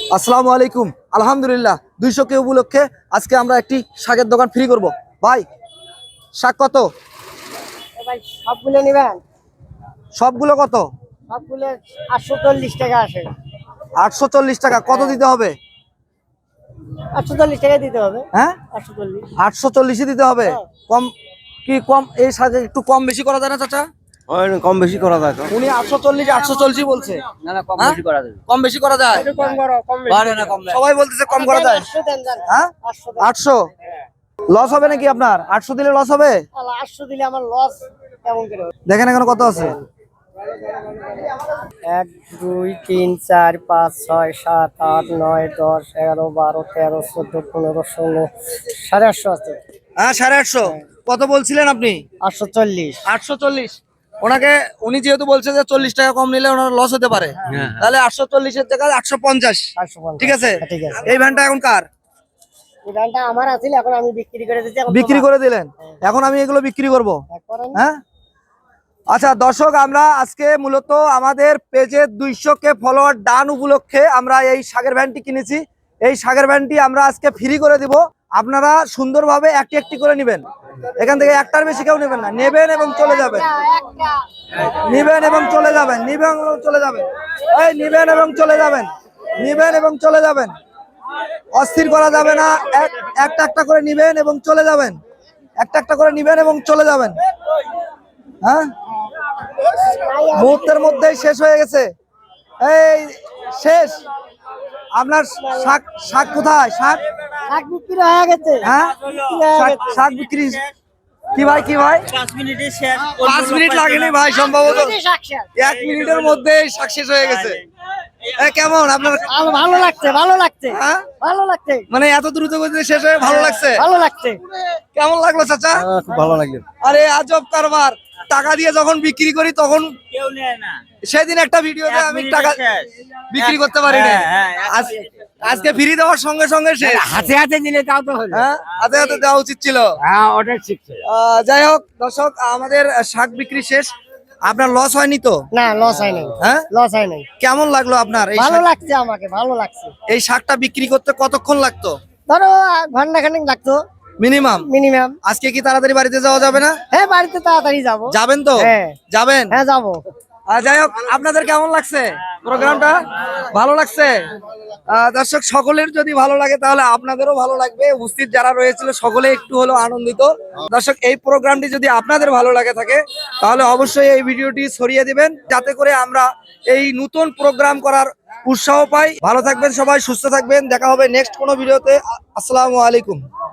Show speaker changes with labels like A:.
A: আসসালামু আলাইকুম। আলহামদুলিল্লাহ 200 কে উপলক্ষে আজকে আমরা একটি শাকের দোকান ফ্রি করব। ভাই শাক কত?
B: ভাই সবগুলো নেবেন?
A: সবগুলো কত?
B: সবগুলো 840 টাকা আসে।
A: 840 টাকা। কত দিতে হবে?
B: 840 টাকা দিতে হবে।
A: হ্যাঁ
B: 840।
A: 840 দিতে হবে। কম কি কম এই শাকে একটু কম বেশি করা যায় না চাচা?
C: কম বেশি করা যায় তো।
A: উনি 840 বলছে।
C: না না, কম বেশি করা যায়।
A: কম বেশি করা যায়।
B: একটু কম করো, কম বেশি
C: পারে না,
B: করো।
C: কম না।
A: সবাই বলতেছে কম করা যায়।
B: 800 দেন জান।
A: হ্যাঁ
B: 800 দেন।
A: 800 লস হবে নাকি আপনার? 800 দিলে লস হবে?
B: আল্লাহ, 800 দিলে আমার লস কেমন করে হবে?
A: দেখেন এখানে কত আছে।
B: 1 2 3 4 5 6 7 8 9 10 11 12 13 14 15 16 850 আছে।
A: হ্যাঁ 850। কত বলছিলেন আপনি?
B: 840।
A: 840। উনি যেহেতু বলছে যে 40 টাকা কম নিলে ওনার লস হতে পারে, তাহলে 840 এর জায়গায় 850।
B: 850।
A: ঠিক আছে।
B: ঠিক আছে।
A: এই ভ্যানটা এখন কার?
B: এই ধানটা আমার আছিল, এখন আমি বিক্রি করে দিচ্ছি। এখন
A: বিক্রি করে দিলেন, এখন আমি এগুলো বিক্রি করব।
B: করেন।
A: হ্যাঁ আচ্ছা দর্শক, আমরা আজকে মূলত আমাদের পেজে 200 কে ফলোয়ার ডান উপলক্ষে আমরা এই শাকের ভ্যানটি কিনেছি। এই শাকের ভ্যানটি আমরা আজকে ফ্রি করে দিব। আপনারা সুন্দরভাবে একটি একটি করে নেবেন। এখান থেকে একটার বেশি কেউ নেবেন না, নেবেন এবং চলে যাবেন। নিবেন এবং চলে যাবেন, নিবেন এবং চলে যাবেন। এই নিবেন এবং চলে যাবেন, নিবেন এবং চলে যাবেন। অস্থির করা যাবে না। একটা একটা করে নিবেন এবং চলে যাবেন। একটা একটা করে নিবেন এবং চলে যাবেন। হ্যাঁ মুহূর্তের মধ্যেই শেষ হয়ে গেছে। এই শেষ। আপনার শাক শাক কোথায়? শাক
B: শাক বিক্রি হয়ে গেছে।
A: হ্যাঁ শাক বিক্রি কি ভাই?
C: 5 মিনিটে শেষ।
A: 5 মিনিট লাগেনি ভাই, সম্ভবত
B: শাক শেষ।
A: 1 মিনিটের মধ্যেই শাক শেষ হয়ে গেছে। কেমন আপনার?
B: আমার ভালো লাগছে, ভালো লাগছে,
A: হ্যাঁ?
B: ভালো লাগছে,
A: মানে এত দ্রুত গতিতে শেষ হয়ে ভালো লাগছে?
B: ভালো লাগছে।
A: কেমন লাগলো চাচা?
C: খুব ভালো লাগলো।
A: আরে আজব কারবার। টাকা দিয়ে যখন বিক্রি করি তখন
C: কেউ নেয় না।
A: সেদিন একটা ভিডিওতে আমি টাকা বিক্রি করতে পারি না। আজকে ফ্রি দেওয়ার সঙ্গে সঙ্গে শেষ।
B: হাতে হাতে দিলে তাও তো হলো।
A: হ্যাঁ হাতে হাতে দেওয়া উচিত ছিল।
B: হ্যাঁ, ওটা ঠিক ছিল।
A: যাই হোক দর্শক, আমাদের শাক বিক্রি শেষ। আপনার লস হয়নি তো?
B: না, লস হয় নাই।
A: হ্যাঁ
B: লস হয় নাই।
A: কেমন লাগলো আপনার এই
B: ভালো লাগছে, আমাকে ভালো লাগছে।
A: এই শাকটা বিক্রি করতে কতক্ষণ লাগতো
B: ধরো ঘন্টা খানেক লাগতো
A: মিনিমাম?
B: মিনিমাম।
A: আজকে কি তাড়াতাড়ি বাড়িতে যাওয়া যাবে না?
B: হ্যাঁ, বাড়িতে তাড়াতাড়ি যাবো।
A: যাবেন তো?
B: হ্যাঁ।
A: যাবেন?
B: হ্যাঁ, যাবো।
A: যাই হোক, আপনাদের কেমন লাগছে প্রোগ্রামটা? ভালো লাগছে? দর্শক সকলের যদি ভালো লাগে তাহলে আপনাদেরও ভালো লাগবে। উপস্থিত যারা রয়েছিল সকলে একটু হলেও আনন্দিত। দর্শক, এই প্রোগ্রামটি যদি আপনাদের ভালো লাগে থাকে তাহলে অবশ্যই এই ভিডিওটি ছড়িয়ে দিবেন, যাতে করে আমরা এই নতুন প্রোগ্রাম করার উৎসাহ পাই। ভালো থাকবেন সবাই, সুস্থ থাকবেন। দেখা হবে নেক্সট কোনো ভিডিওতে। আসসালামু আলাইকুম।